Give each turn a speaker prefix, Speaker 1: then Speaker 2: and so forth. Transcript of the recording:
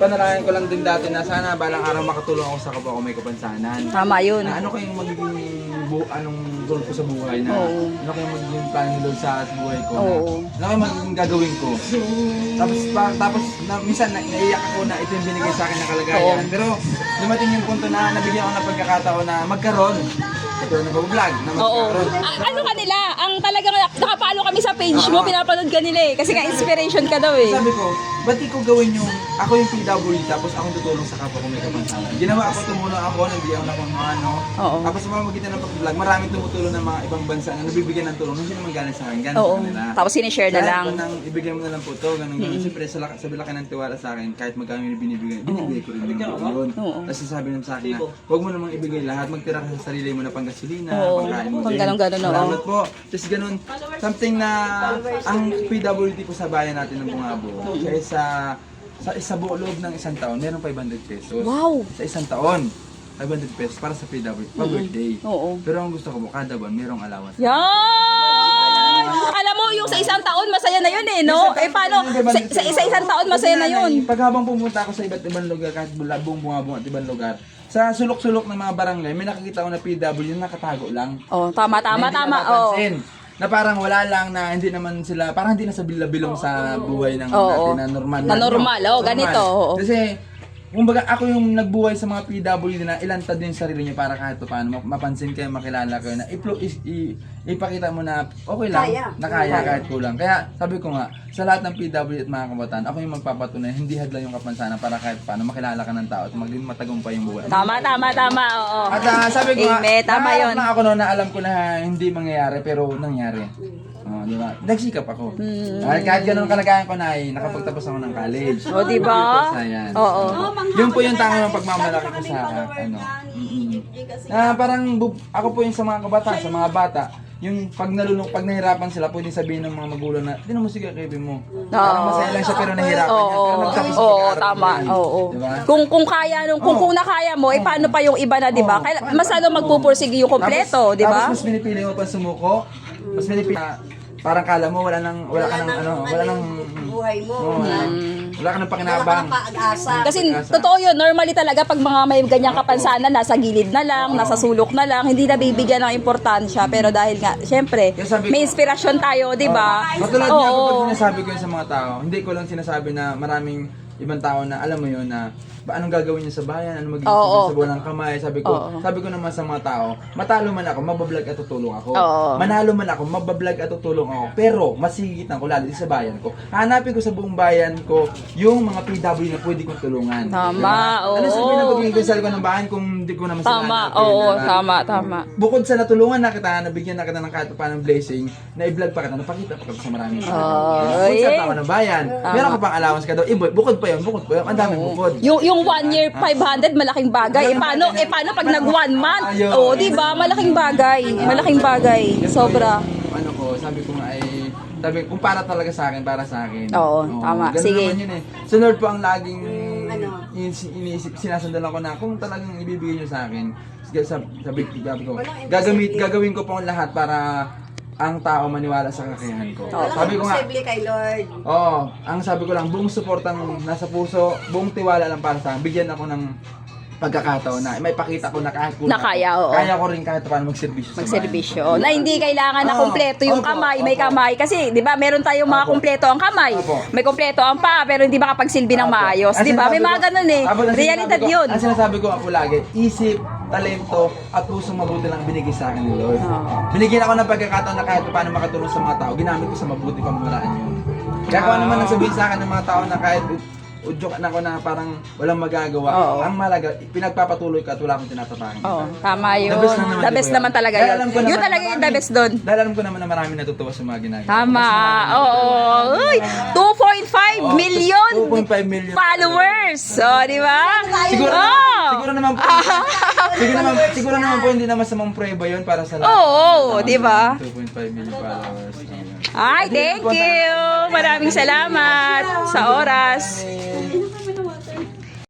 Speaker 1: panalangin ko lang din dati na sana balang araw makatulong ako sa kapwa ko may kapansanan.
Speaker 2: Tama yun.
Speaker 1: Na ano kayong magiging anong goal ko sa buhay na ano kayong magiging plan ni Lord sa buhay ko na ano kayong magiging gagawin ko. Tapos minsan naiiyak ako na ito yung binigay sa akin na kalagayan. Pero dumating yung punto na nabigyan ako ng pagkakataon na magkaroon. Ito nag-vlog na magkaroon.
Speaker 2: Ano ka nila? Ang talagang nakapalo kami sa page mo, pinapanood ka nila eh. Kasi nga inspiration ka daw eh.
Speaker 1: Sabi ko, ba't di ko gawin yung, ako yung PWD tapos ako tutulong sa kapwa ko may kapansanan. Ginawa ako, tumulong ako, nabigyan ako ng mga ano. Tapos sa pamamagitan ng pag-vlog, maraming tumutulong ng mga ibang bansa na nabibigyan ng tulong. Hindi naman galing sa akin, galing sa kanila.
Speaker 2: Tapos sinishare na lang.
Speaker 1: Kahit nang ibigay mo na lang po ito, ganun. Siyempre, sa laki ng tiwala sa akin, kahit magkano yung binibigay ko rin yun. Tapos sabi naman sa akin na, huwag mo namang ibigay lahat, magtira ka sa sarili mo na panggasolina, pangkain mo din.
Speaker 2: Ganun,
Speaker 1: Salamat po. Tapos ganun, something na ang PWD po sa bayan natin ng Bungabo, sa buong loob ng isang taon, meron 500 pesos.
Speaker 2: Wow!
Speaker 1: Sa isang taon, 500 pesos para sa PWD, pa-birthday. Pero ang gusto ko po, kada buwan, merong allowance.
Speaker 2: Yan! Alam mo, yung sa isang taon, masaya na yun eh, no? Eh, paano? Sa isang taon, masaya na yun.
Speaker 1: Pag habang pumunta ako sa iba't ibang lugar, kahit buong Bungabo at ibang lugar, sa sulok-sulok ng mga barangay, may nakikita ko na PWD na nakatago lang.
Speaker 2: Tama.
Speaker 1: Na parang wala lang na hindi naman sila, parang hindi na sa bilong sa buhay ng natin na normal.
Speaker 2: Na normal, ganito.
Speaker 1: Kasi, kumbaga ako yung nagbuhay sa mga PWD na ilantad din yung sarili niyo para kahit paano mapansin kayo, makilala kayo na ipakita mo na okay lang, na kaya kahit kulang. Kaya sabi ko nga, sa lahat ng PWD at mga kabataan, ako yung magpapatunay, hindi hadlang yung kapansanan para kahit paano makilala ka ng tao at maging matagumpay yung buhay.
Speaker 2: Tama, oo.
Speaker 1: At sabi ko nga,
Speaker 2: tama yun.
Speaker 1: na ako noon na alam ko na hindi mangyayari pero nangyari. Di ba? Nagsikap ako. Kahit ganun kalagayan ko na nakapagtapos ako ng college.
Speaker 2: Di ba?
Speaker 1: Yun po yung tama ng pagmamalaki ko sa parang ako po yung sa mga kabataan, sa mga bata, yung pag nahirapan sila, pwede sabihin ng mga magulang na, hindi mo sige kaibigan mo. Parang masaya lang siya pero nahirapan niya. Pero nagtapos sa pag-aaral
Speaker 2: tama.
Speaker 1: Diba?
Speaker 2: Kung kaya kung nakaya mo, paano pa yung iba na, di ba? Kaya mas magpupursige yung kompleto, di ba?
Speaker 1: Tapos mas pinipili mo pa sumuko, mas pinipili parang kala mo wala nang
Speaker 3: buhay mo.
Speaker 1: Wala ka nang pakinabang.
Speaker 2: Kasi totoo yun, normally talaga pag mga may ganyang kapansanan, nasa gilid na lang, nasa sulok na lang, hindi na bibigyan ng importansya. Pero dahil nga, syempre, may inspirasyon tayo, di ba?
Speaker 1: Matulad niya ako pag sinasabi ko yun sa mga tao, hindi ko lang sinasabi na maraming ibang tao na alam mo yun na anong gagawin niya sa bayan, anong magiging sa buwan ng kamay. Sabi ko naman sa mga tao, matalo man ako, mabablog at tutulong ako. Manalo man ako, mabablog at tutulong ako. Pero masigitan ko lalo sa bayan ko. Hanapin ko sa buong bayan ko yung mga PW na pwede kong tulungan.
Speaker 2: Tama,
Speaker 1: Ano sabihin na magiging gusal ko ng bayan kung hindi ko naman sila
Speaker 2: Tama.
Speaker 1: Bukod sa natulungan na kita, nabigyan na kita ng kahit paano blessing, na i-vlog pa kita, napakita pa kita sa maraming tao. Bukod sa tao ng bayan, meron ka pang allowance ka daw. Bukod pa yun, ang daming bukod.
Speaker 2: Yung 1 year 500 malaking bagay. Paano pag nag 1 month? Di ba? Malaking bagay. Sobra.
Speaker 1: Sabi ko nga kung para talaga sa akin, para sa akin.
Speaker 2: Tama.
Speaker 1: Ganun
Speaker 2: Sige.
Speaker 1: naman yun Sunod po ang laging iniisip, sinasandalan ko na kung talagang ibibigay nyo sa akin. Sabi ko, gagawin ko po ang lahat para ang tao maniwala sa kakayahan ko. Sabi ko nga,
Speaker 3: kay Lord.
Speaker 1: ang sabi ko lang, buong suportang nasa puso, buong tiwala lang para sa akin. Bigyan ako ng pagkakataon na may pakita ko na kahit kulang kaya ko rin kahit paano magserbisyo.
Speaker 2: Na hindi kailangan na kumpleto yung kamay, may kamay. Kasi, di ba, meron tayong mga kumpleto ang kamay. May kumpleto ang paa, pero hindi makapagsilbi ng maayos. Di ba? May mga ganun eh. Realidad yun.
Speaker 1: Ang sinasabi ko ako lagi, isip, talento, at pusong mabuti lang binigay sa akin ni Lord. Binigyan ako ng pagkakataon na kahit paano makatulong sa mga tao, ginamit ko sa mabuti pamamaraan yun. Kaya kung ano man ang sabihin sa akin ng mga tao na kahit udyokan ako na parang walang magagawa. Ang malaga, pinagpapatuloy ka at wala akong tinatapakan.
Speaker 2: Tama yun. The best naman talaga yun. Yun talaga yung the best doon.
Speaker 1: Dahil alam ko naman na marami natutuwa sa mga ginagawa.
Speaker 2: Tama. 2.5 million followers. Di ba?
Speaker 1: Siguro naman po hindi naman sa mga prueba yun para sa lahat.
Speaker 2: Di ba?
Speaker 1: 2.5 million followers.
Speaker 2: Ay, thank you. Maraming salamat sa oras.